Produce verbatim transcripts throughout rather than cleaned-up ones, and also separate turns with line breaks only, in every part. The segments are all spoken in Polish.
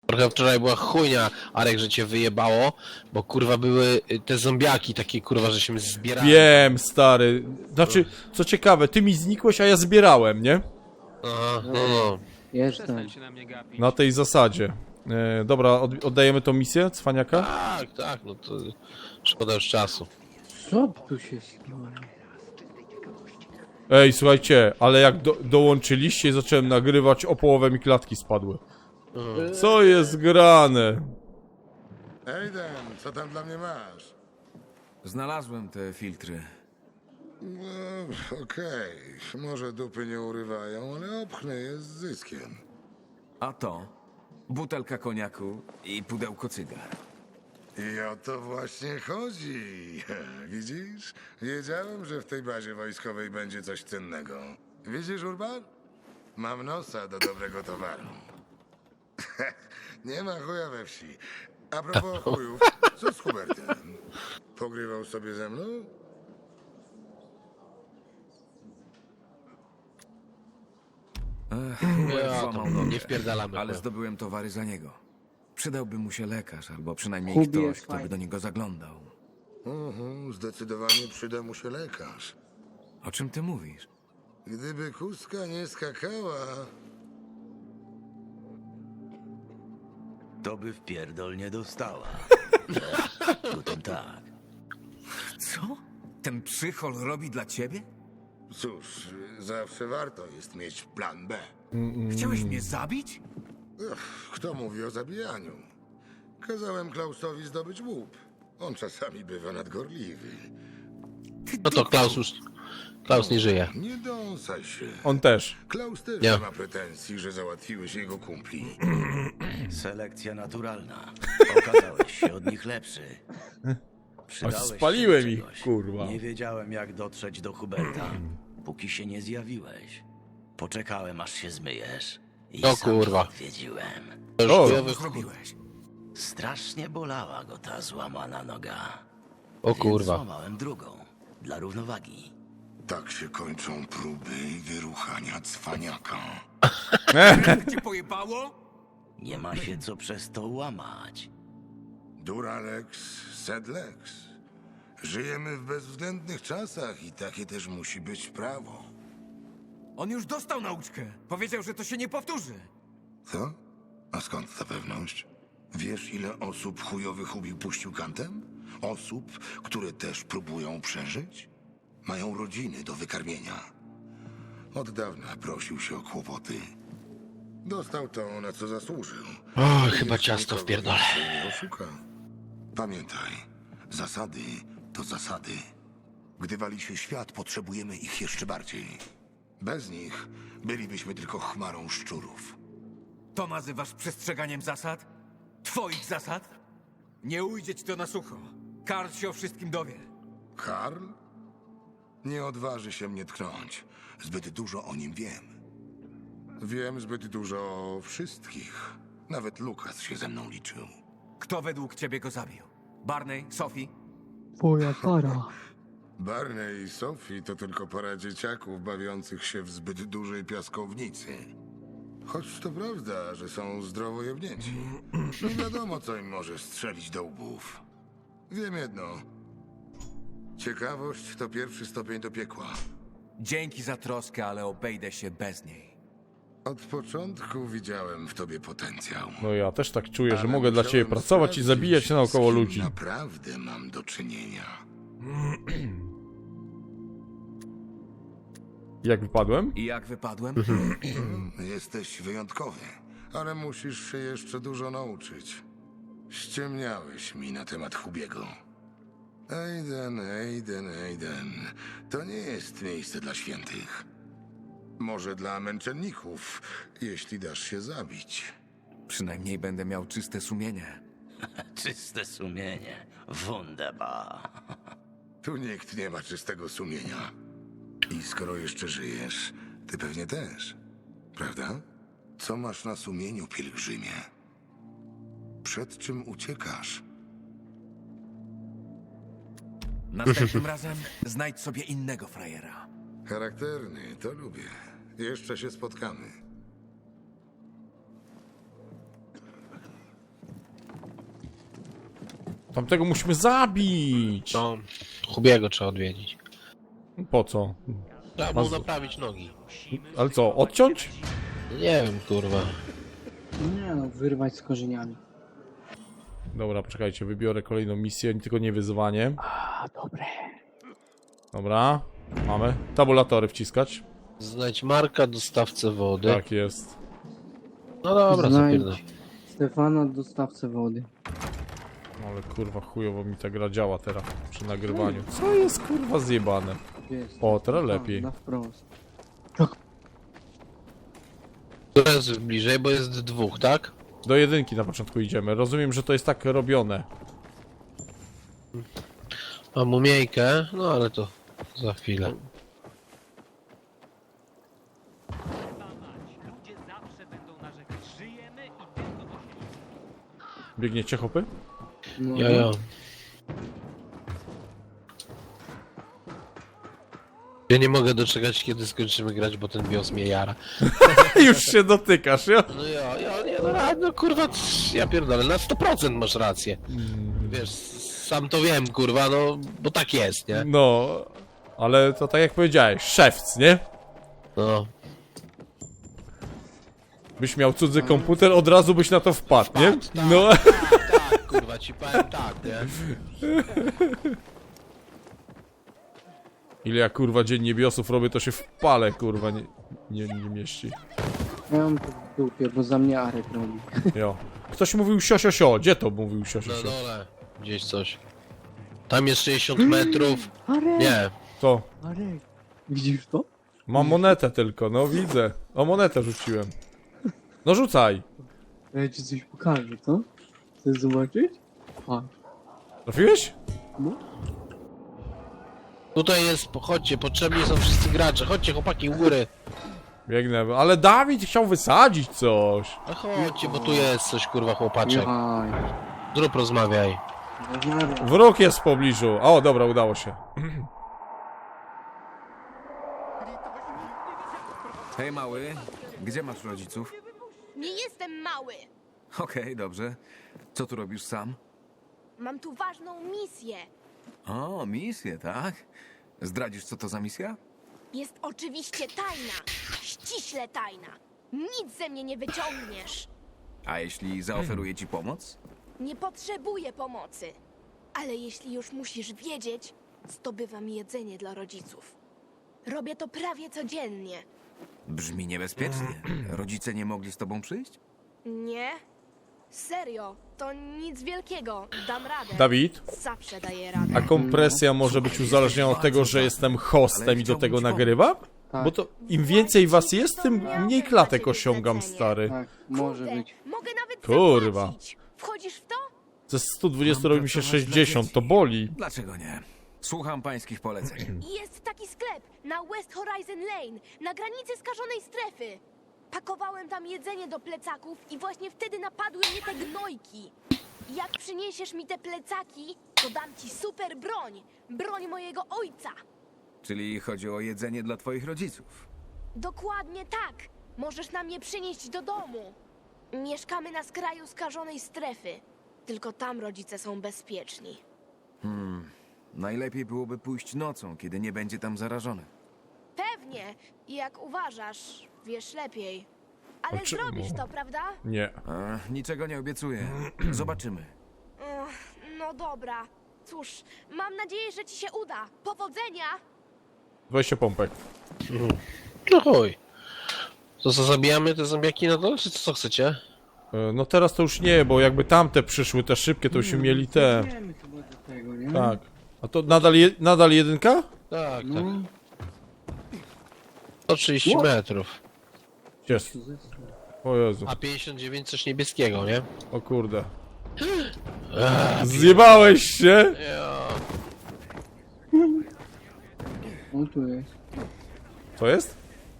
Trochę wczoraj była chujnia, Arek, że cię wyjebało, bo kurwa były te zombiaki takie kurwa, że się zbierali.
Wiem, stary. Znaczy, co ciekawe, ty mi znikłeś, a ja zbierałem, nie?
Aha, no no.
Jestem.
Przestań się na mnie gapić.
Na tej zasadzie. E, dobra, od, oddajemy tą misję, cwaniaka?
Tak, tak, no to szkoda już czasu.
Co tu się stało?
Ej, słuchajcie, ale jak do, dołączyliście i zacząłem nagrywać, o połowę mi klatki spadły. Co jest grane?
Ejden, co tam dla mnie masz?
Znalazłem te filtry.
No, okej, może dupy nie urywają, ale obchnę je z zyskiem.
A to? Butelka koniaku i pudełko cygar.
I o to właśnie chodzi. Widzisz? Wiedziałem, że w tej bazie wojskowej będzie coś cennego. Widzisz, Urban? Mam nosa do dobrego towaru. Nie ma chuja we wsi. A propos chujów, co z Hubertem? Pogrywał sobie ze mną?
Ja,
Złamał
to
nogę,
nie wpierdalamy.
ale
chuja.
zdobyłem towary za niego. Przydałby mu się lekarz, albo przynajmniej
Hubi
ktoś,
jest
kto by
fajny.
do niego zaglądał.
Mhm, zdecydowanie przyda mu się lekarz.
O czym ty mówisz?
Gdyby kuska nie skakała...
To by w pierdol nie dostała. Potem tak.
Co? Ten przychol robi dla ciebie?
Cóż, zawsze warto jest mieć plan B.
Chciałeś mnie zabić?
Ech, kto mówi o zabijaniu? Kazałem Klausowi zdobyć łup. On czasami bywa nadgorliwy.
Ty
No to Klaus już... Klaus nie żyje.
Nie dąsaj się.
On też.
Klaus też
Nie.
nie ma pretensji, że załatwiłeś jego kumpli.
Selekcja naturalna. Okazałeś się od nich lepszy. Przydałeś się
spaliłem
do
ich,
czegoś.
kurwa.
Nie wiedziałem, jak dotrzeć do Huberta, póki się nie zjawiłeś. Poczekałem, aż się zmyjesz. I
O
sam
kurwa.
go odwiedziłem.
O,
Co
Chujowy-
zrobiłeś?
Strasznie bolała go ta złamana noga.
O
Więc
kurwa.
złamałem drugą. Dla równowagi.
Tak się kończą próby wyruchania cwaniaka.
Cię pojebało?
Nie ma się co przez to łamać.
Duralex, sedlex. Żyjemy w bezwzględnych czasach i takie też musi być prawo.
On już dostał nauczkę. Powiedział, że to się nie powtórzy.
Co? A skąd ta pewność? Wiesz, ile osób chujowych ubił puścił kantem? Osób, które też próbują przeżyć? Mają rodziny do wykarmienia. Od dawna prosił się o kłopoty. Dostał to, na co zasłużył.
O,
I
chyba
już
ciasto
nikogo
wpierdolę.
więcej nie oszuka. Pamiętaj, zasady to zasady. Gdy wali się świat, potrzebujemy ich jeszcze bardziej. Bez nich bylibyśmy tylko chmarą szczurów.
To nazywasz przestrzeganiem zasad? Twoich zasad? Nie ujdzie ci to na sucho. Karl się o wszystkim dowie.
Karl? Nie odważy się mnie tknąć. Zbyt dużo o nim wiem. Wiem zbyt dużo o wszystkich. Nawet Lukas się ze mną liczył.
Kto według ciebie go zabił? Barney? Sophie?
Twoja para.
Barney i Sophie to tylko para dzieciaków bawiących się w zbyt dużej piaskownicy. Choć to prawda, że są zdrowo jebnięci. Nie wiadomo, co im może strzelić do łbów. Wiem jedno. Ciekawość to pierwszy stopień do piekła.
Dzięki za troskę, ale obejdę się bez niej.
Od początku widziałem w tobie potencjał.
No ja też tak czuję, że
Ale
mogę dla ciebie
musiałem
pracować i
sprawdzić,
zabijać naokoło
z kim
ludzi.
Naprawdę mam do czynienia.
Jak wypadłem?
I jak wypadłem?
Jesteś wyjątkowy, ale musisz się jeszcze dużo nauczyć. Ściemniałeś mi na temat Hubiego. Ejden, Ejden, Ejden. To nie jest miejsce dla świętych. Może dla męczenników, jeśli dasz się zabić.
Przynajmniej będę miał czyste sumienie.
Czyste sumienie. Wunderbar.
Tu nikt nie ma czystego sumienia. I skoro jeszcze żyjesz, ty pewnie też. Prawda? Co masz na sumieniu, pielgrzymie? Przed czym uciekasz?
Następnym razem znajdź sobie innego frajera.
Charakterny, to lubię. Jeszcze się spotkamy.
Tamtego musimy zabić.
No, Hubiego trzeba odwiedzić.
Po co?
Trzeba mu naprawić nogi.
Ale co, odciąć?
Nie wiem, kurwa.
Nie no, wyrwać z korzeniami.
Dobra, poczekajcie, wybiorę kolejną misję, tylko nie wyzwanie.
A, dobre.
Dobra, mamy. Tabulatory wciskać.
Znajdź Marka, dostawcę wody.
Tak jest.
No dobra, zapierdam.
Znajdź Stefana, dostawcę wody.
Ale kurwa chujowo mi ta gra działa teraz przy nagrywaniu. Co jest kurwa zjebane?
Gdzie jest?
O, teraz
A,
lepiej.
na wprost.
To jest bliżej, bo jest dwóch, tak?
Do jedynki na początku idziemy. Rozumiem, że to jest tak robione.
Mam mumiejkę, no ale to za chwilę.
Ludzie zawsze będą narzekać. Żyjemy i tylko to się
Biegniecie hopy?
No,
Ja, ja. Ja nie mogę doczekać, kiedy skończymy grać, bo ten bios mnie jara.
Już się dotykasz, ja?
No ja, ja, nie, no, ra- no kurwa, c- ja pierdolę, na sto procent masz rację. Wiesz, sam to wiem, kurwa, no, bo tak jest, nie?
No, ale to tak jak powiedziałeś, szewc, nie?
No,
Byś miał cudzy komputer, od razu byś na to wpadł, nie?
Wpadł, tak.
No,
tak, kurwa, ci powiem tak, nie?
ile ja kurwa dziennie biosów robię, to się w pale kurwa nie, nie, nie mieści.
Ja mam to w dupie, bo za mnie Arek robi.
Jo. Ktoś mówił sio, sio, sio. Gdzie to mówił sio, sio,
Na
sio?
dole, gdzieś coś. Tam jest sześćdziesiąt metrów.
Arek!
Nie,
To.
Arek! Widzisz to?
Mam monetę tylko, no widzę. O, monetę rzuciłem. No rzucaj.
Ja ci coś pokażę, co? Chcesz zobaczyć? A,
Trafiłeś?
no.
tutaj jest, chodźcie, potrzebni są wszyscy gracze, chodźcie chłopaki u góry.
Biegnę, ale Dawid chciał wysadzić coś.
No chodźcie, bo tu jest coś, kurwa, chłopaczek.
Jaj.
Zrób, rozmawiaj.
Rozmawiam.
Wróg jest w pobliżu. O, dobra, udało się.
Hej, mały, gdzie masz rodziców?
Nie jestem mały.
Okej, dobrze. Co tu robisz sam?
Mam tu ważną misję.
O, misję, tak? Zdradzisz, co to za misja?
Jest oczywiście tajna. Ściśle tajna. Nic ze mnie nie wyciągniesz.
A jeśli zaoferuję ci pomoc?
Nie potrzebuję pomocy. Ale jeśli już musisz wiedzieć, zdobywam jedzenie dla rodziców. Robię to prawie codziennie.
Brzmi niebezpiecznie. Rodzice nie mogli z tobą przyjść?
Nie? Serio, to nic wielkiego. Dam radę.
Dawid?
Zawsze daję radę.
A kompresja może być uzależniona od tego, że jestem hostem i do tego nagrywam?
Tak,
Bo to im więcej was jest, tym mniej klatek osiągam, stary.
tak, może
Kurde,
być.
Mogę nawet
Kurwa.
zapłacić. Wchodzisz w to?
Ze stu dwudziestu robi mi się sześćdziesiąt, to boli.
Dlaczego nie? Słucham pańskich poleceń.
Jest taki sklep na West Horizon Lane, na granicy skażonej strefy. Pakowałem tam jedzenie do plecaków i właśnie wtedy napadły mnie te gnojki. Jak przyniesiesz mi te plecaki, to dam ci super broń. Broń mojego ojca.
Czyli chodzi o jedzenie dla twoich rodziców.
Dokładnie tak. Możesz nam je przynieść do domu. Mieszkamy na skraju skażonej strefy. Tylko tam rodzice są bezpieczni.
Najlepiej byłoby pójść nocą, kiedy nie będzie tam zarażony.
Pewnie. Jak uważasz, wiesz lepiej. Ale
A czemu?
zrobisz to, prawda?
Nie.
E, niczego nie obiecuję. Zobaczymy.
Ech, no dobra. Cóż, mam nadzieję, że ci się uda. Powodzenia!
dwadzieścia pompek.
No chuj. To co, zabijamy te zombiaki na dole, czy co chcecie?
E, No teraz to już nie, bo jakby tamte przyszły, te szybkie, to już mieli te.
Idziemy chyba do tego, nie?
Tak. A to nadal, je, nadal jedynka?
Tak,
No,
tak. sto trzydzieści metrów.
Jest. O Jezu.
A pięćdziesiąt dziewięć coś niebieskiego, nie?
O kurde. Zjebałeś się?
Ja.
o tu jest.
Co jest?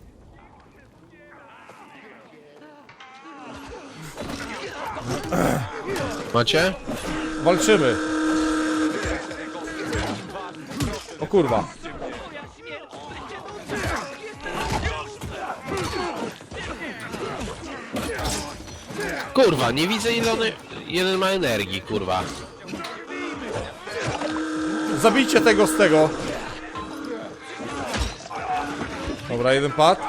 Macie?
Walczymy. O kurwa.
Kurwa, nie widzę ile one... Jeden ma energii, kurwa.
zabijcie tego z tego. Dobra, jeden pad.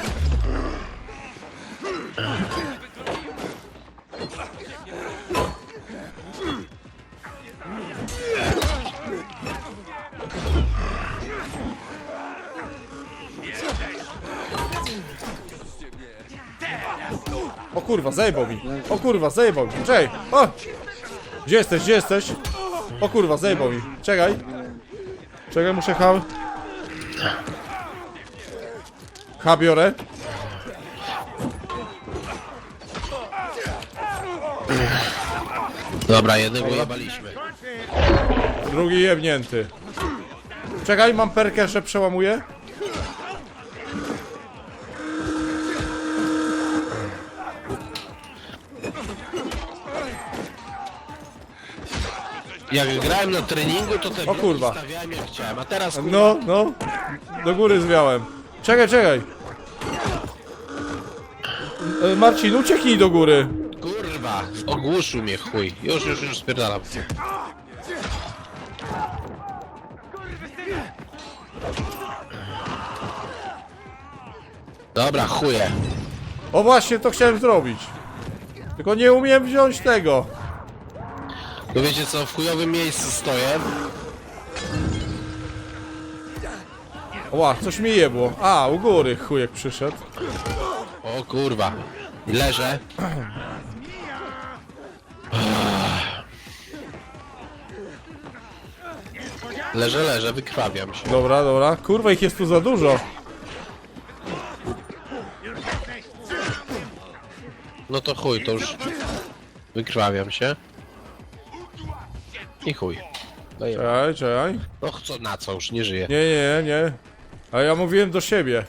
O kurwa, zajebał mi. O kurwa, zajebał mi. Czekaj. O! Gdzie jesteś, gdzie jesteś? O kurwa, zajebał mi. Czekaj. Czekaj, muszę H. H biorę.
Dobra, jednego jebaliśmy.
Drugi jebnięty. Czekaj, mam perkę, że przełamuję.
Jak grałem na treningu, to te
O kurwa.
bloki stawiałem jak chciałem, a teraz kurwa...
No, no. Do góry zwiałem. Czekaj, czekaj. E, Marcin, ucieknij do góry.
Kurwa, ogłuszył mnie chuj. Już, już, już spierdalam. Dobra, chuje.
O właśnie, to chciałem zrobić. Tylko nie umiem wziąć tego.
No wiecie co, w chujowym miejscu stoję.
Ła, coś mi jebło. A, u góry chujek przyszedł.
O kurwa. I leżę. Leżę, leżę, wykrwawiam się.
Dobra, dobra. Kurwa, ich jest tu za dużo.
No to chuj, to już... Wykrwawiam się. I chuj. Daję.
Czekaj, czekaj.
No co, na co, już nie żyję.
Nie, nie, nie. A ja mówiłem do siebie.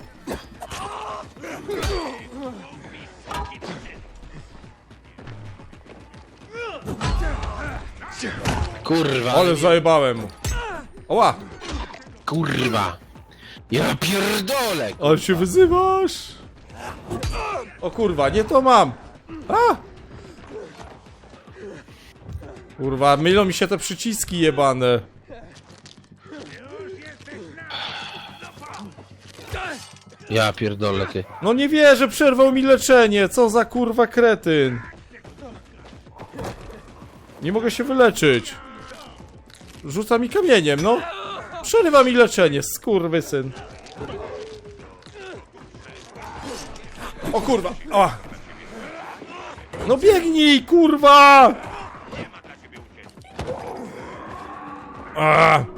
Kurwa,
Ale zajebałem mu. Oła!
kurwa. Ja pierdolę.
Ale się wyzywasz! O kurwa, nie to mam! A! Kurwa, mylą mi się te przyciski jebane.
Ja pierdolę, ty.
No nie wierzę, przerwał mi leczenie! Co za kurwa kretyn! Nie mogę się wyleczyć. Rzuca mi kamieniem, no. Przerywa mi leczenie, skurwysyn. O kurwa! O. No biegnij, kurwa! A.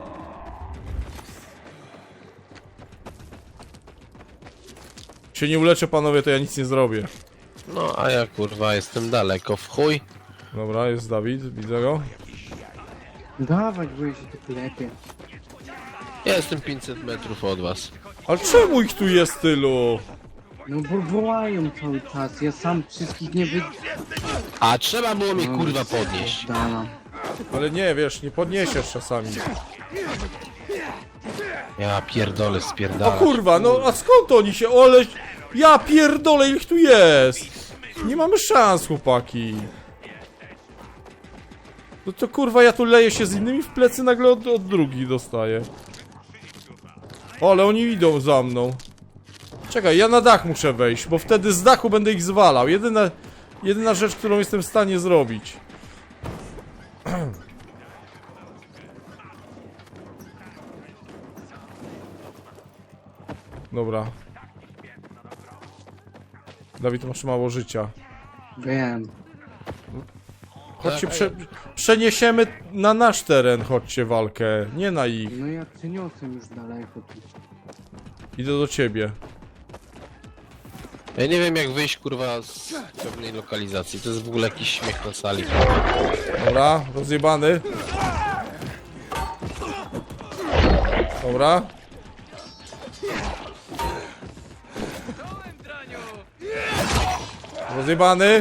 Się nie uleczę, panowie, to ja nic nie zrobię.
No, a ja kurwa jestem daleko w chuj.
Dobra, jest Dawid, widzę go.
Dawaj, bo ja się tu klepie.
Ja jestem pięćset metrów od was.
Ale czemu ich tu jest tylu?
No bo wołają cały czas, ja sam wszystkich nie wy...
A trzeba było mnie kurwa podnieść.
Dala.
Ale nie, wiesz, nie podniesiesz czasami.
Ja pierdolę,
O
spierdalać.
kurwa, no a skąd oni się, ole... Ja pierdolę, ich tu jest! Nie mamy szans, chłopaki. No to kurwa, ja tu leję się z innymi w plecy, nagle od, od drugich dostaję. O, ale oni idą za mną. Czekaj, ja na dach muszę wejść, bo wtedy z dachu będę ich zwalał. Jedyna, jedyna rzecz, którą jestem w stanie zrobić. Dobra. Dawid, masz mało życia.
Wiem.
Chodźcie, prze, przeniesiemy na nasz teren, chodźcie walkę, nie na ich.
No ja przeniosłem już daleko tu.
Idę do ciebie.
Ja nie wiem jak wyjść kurwa z pewnej lokalizacji. To jest w ogóle jakiś śmiech na sali.
Dobra, rozjebany. Dobra. Rozjebany.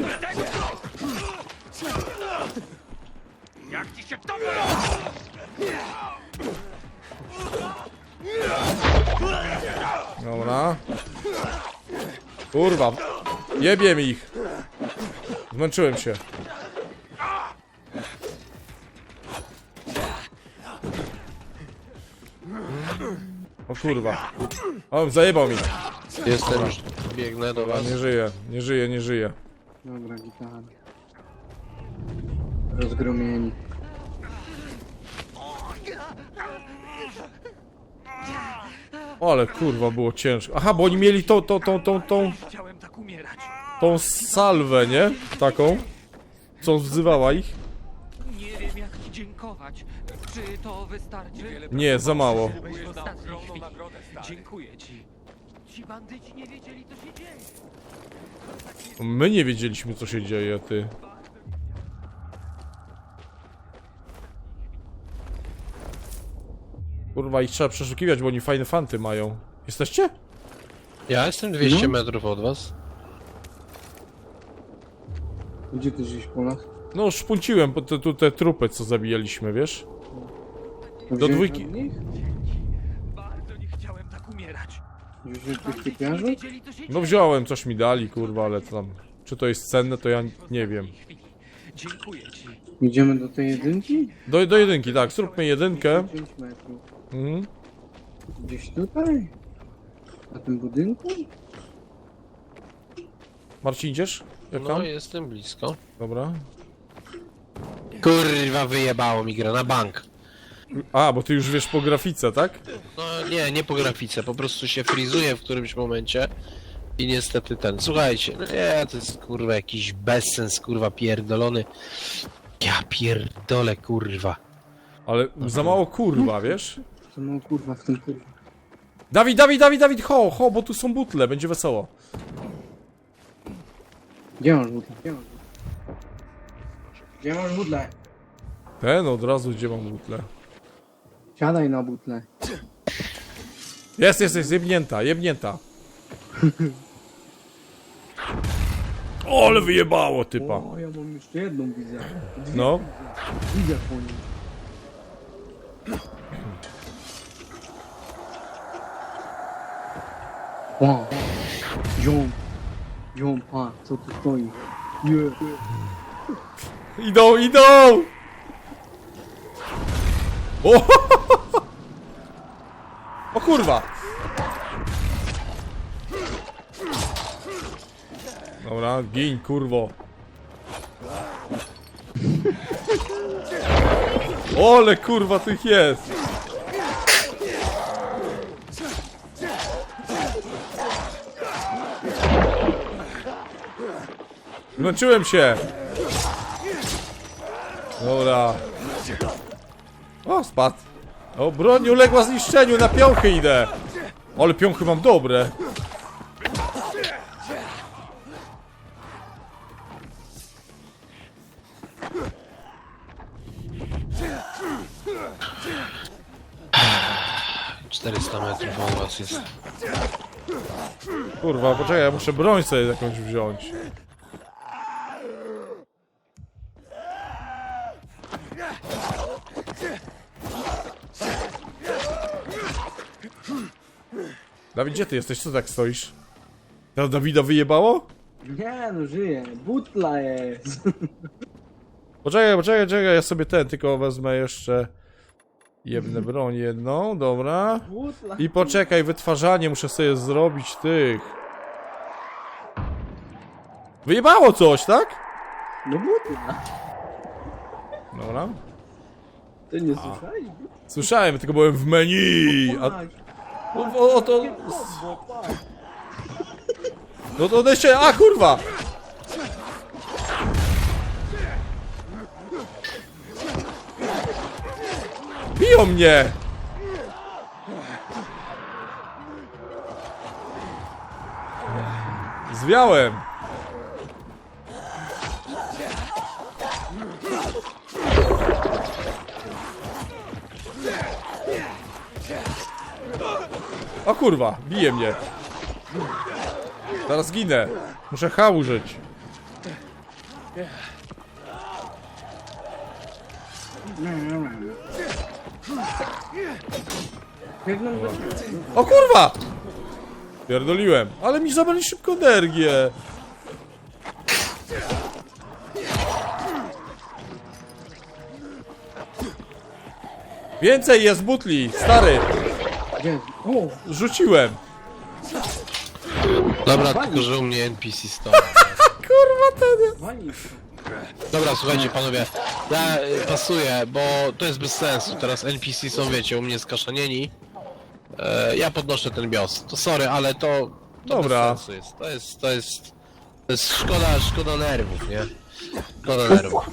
Dobra. Kurwa. Jebiem ich. Zmęczyłem się. O kurwa. O, zajebał mi.
Jestem już, biegnę do was.
Nie żyje, nie żyje, nie żyje.
Dobra, gitara. Rozgromieni.
O, ale kurwa było ciężko. Aha, bo oni mieli tą, tą, tą, tą, tą,
Chciałem tak umierać.
tą salwę, nie? Taką. Co wzywała ich?
Nie wiem jak ci dziękować. Czy to wystarczy?
Nie, za mało.
Byłeś w ostatniej chwili. Dziękuję ci. Ci bandyci nie wiedzieli co się dzieje.
My nie wiedzieliśmy, co się dzieje, ty. Kurwa, ich trzeba przeszukiwać, bo oni fajne fanty mają. Jesteście?
Ja jestem dwieście
No.
metrów od was.
Gdzie ty żeś po nas?
No, szpunciłem po te, tu te trupy, co zabijaliśmy, wiesz?
To
Do
wziąłeś
dwójki.
od nich?
Bardzo nie chciałem tak umierać.
Wziąłeś od tych
Nie
typiarzy?
wiedzieli co się dzieje.
No wziąłem, coś mi dali, kurwa, ale to tam... Czy to jest cenne, to ja nie wiem.
Dziękuję ci.
Idziemy do tej jedynki?
Do, do jedynki, tak, zróbmy jedynkę.
pięć metrów.
Mhm.
Gdzieś tutaj? Na tym budynku?
Marcin, idziesz? Jak
No
tam?
jestem blisko.
Dobra.
Kurwa, wyjebało mi grę na bank.
A, bo ty już wiesz po grafice, tak?
No nie, nie po grafice, po prostu się frizuje w którymś momencie. I niestety ten, słuchajcie, no nie, to jest kurwa jakiś bezsens, kurwa pierdolony. Ja pierdolę, kurwa.
Ale za mało kurwa, wiesz?
To no kurwa w tym kurwa.
Dawid, Dawid, Dawid, Dawid, ho, ho, bo tu są butle, będzie wesoło.
Gdzie masz butlę? Gdzie masz butlę? Gdzie masz butlę?
Ten od razu, gdzie mam butle.
Siadaj na butlę.
Jest, jest, jest, jebnięta, jebnięta. O, ale wyjebało, typa.
O, ja mam jeszcze jedną widzę.
No.
Widzę po nim. Wow. Ziom. Ziom, pa, co tu stoi? Nie.
Idą, idą! O, o kurwa! Dobra, gin, kurwo. Ole, kurwa, tych jest! Zmęczyłem się! Dobra. O, spadł. O, broń uległa zniszczeniu, na piąchy idę. Ale piąchy mam dobre.
czterysta metrów od was jest.
Kurwa, poczekaj, ja muszę broń sobie jakąś wziąć. Dawid, gdzie ty jesteś? Co tak stoisz? To Dawida wyjebało?
Nie no, żyje. Butla jest.
Poczekaj, poczekaj, poczekaj, ja sobie ten tylko wezmę jeszcze jebnę broń jedną, dobra.
Butla.
I poczekaj, wytwarzanie muszę sobie zrobić tych. Wyjebało coś, tak?
No butla.
Dobra.
Ty nie słyszałeś?
Słyszałem, tylko byłem w menu. A, o, o, o to... No to odejście, a kurwa! Biją mnie! Zwiałem! O kurwa, bije mnie. Zaraz ginę. Muszę H użyć. O kurwa! Pierdoliłem, ale mi zabrali szybko energię. Więcej jest butli, stary.
Gdzie jest? O!
Rzuciłem.
Dobra, tylko że u mnie N P C stoi.
Kurwa ten.
Wali.
Dobra, słuchajcie panowie, ja y, pasuję, bo to jest bez sensu. Teraz N P C są, wiecie, u mnie skaszanieni. E, ja podnoszę ten bios. To sorry, ale to, to
Dobra.
bez sensu jest. To jest, to jest, to jest szkoda, szkoda nerwów, nie? Szkoda nerwów.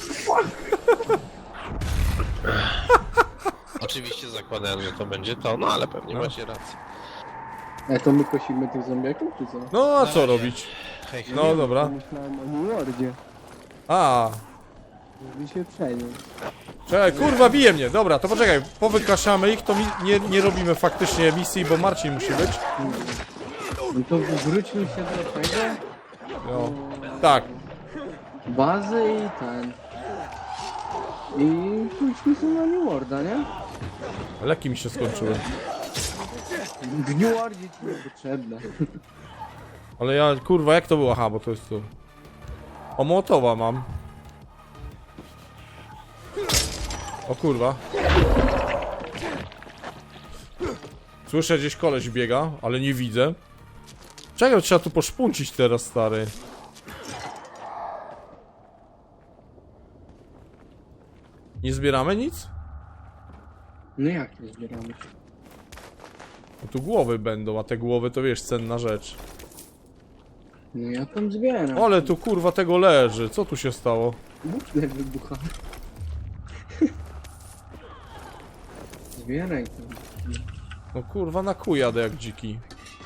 Oczywiście zakładałem, że to będzie to, no ale pewnie macie rację.
E, to my kosimy tych zombiaków, czy co?
No a co
nie.
robić?
Hej, hej.
No dobra.
Myślałem o New Lordzie.
A,
Żeby się przenieść.
czekaj, kurwa bije mnie. Dobra, to poczekaj, powykaszamy ich, to mi nie, nie robimy faktycznie misji, bo Marcin musi być.
No to wróćmy się do tego.
No. Tak.
Bazy i ten. I pójdźmy sobie na New Lorda, nie?
Leki mi się skończyły.
W New Lordzie ci nie potrzebne.
Ale ja, kurwa, jak to było? Aha, bo to jest tu. O, Mołotowa mam. O kurwa. Słyszę, gdzieś koleś biega, ale nie widzę. Czego trzeba tu poszpuncić teraz, stary? Nie zbieramy nic?
No jak nie zbieramy?
No tu głowy będą, a te głowy to wiesz, cenna rzecz.
No ja tam zbieram.
Ale tu kurwa tego leży, co tu się stało?
Butle wybucha. Zbieraj to.
No kurwa na kół jadę jak dziki.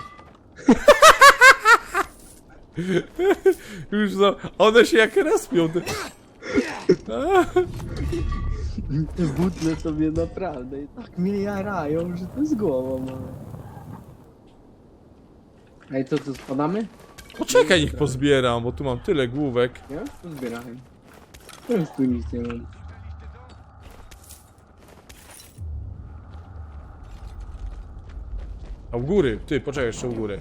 Już za... One się jak respią. Ty...
Te butle sobie naprawdę i tak mnie jarają, że to z głową mamy. Ej, to co, spadamy?
Poczekaj, niech pozbieram, bo tu mam tyle główek.
Ja już to zbierałem. Teraz tu nic nie mam.
A u góry, ty, poczekaj jeszcze u góry.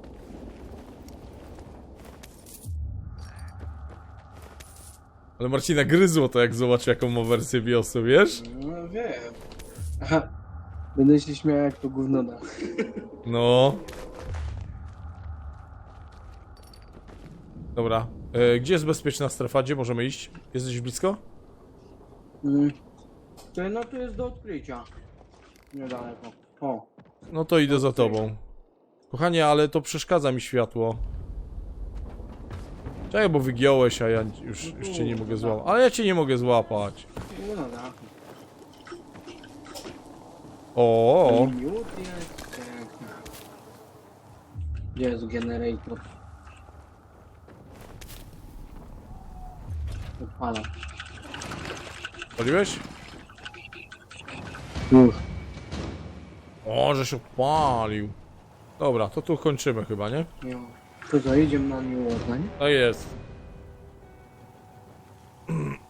Ale Marcina gryzło to, jak zobaczy, jaką ma wersję biosu, wiesz?
No wiem. Aha. Będę się śmiał jak to gówno da.
No. Dobra. E, gdzie jest bezpieczna strefa? Gdzie możemy iść? Jesteś blisko?
Mm. To no to jest do odkrycia. Niedaleko. O.
No to idę za tobą. Kochanie, ale to przeszkadza mi światło. Czekaj, bo wygiąłeś, a ja już, już cię nie mogę złapać. Ale ja cię nie mogę złapać.
No na dachu.
O,
Miód jest. Pięknie. Gdzie jest generator? Odpala.
paliłeś?
Uch.
O, że się odpalił. Dobra, to tu kończymy chyba, nie?
Jo. To co, idziemy na New Orleans, nie?
To jest.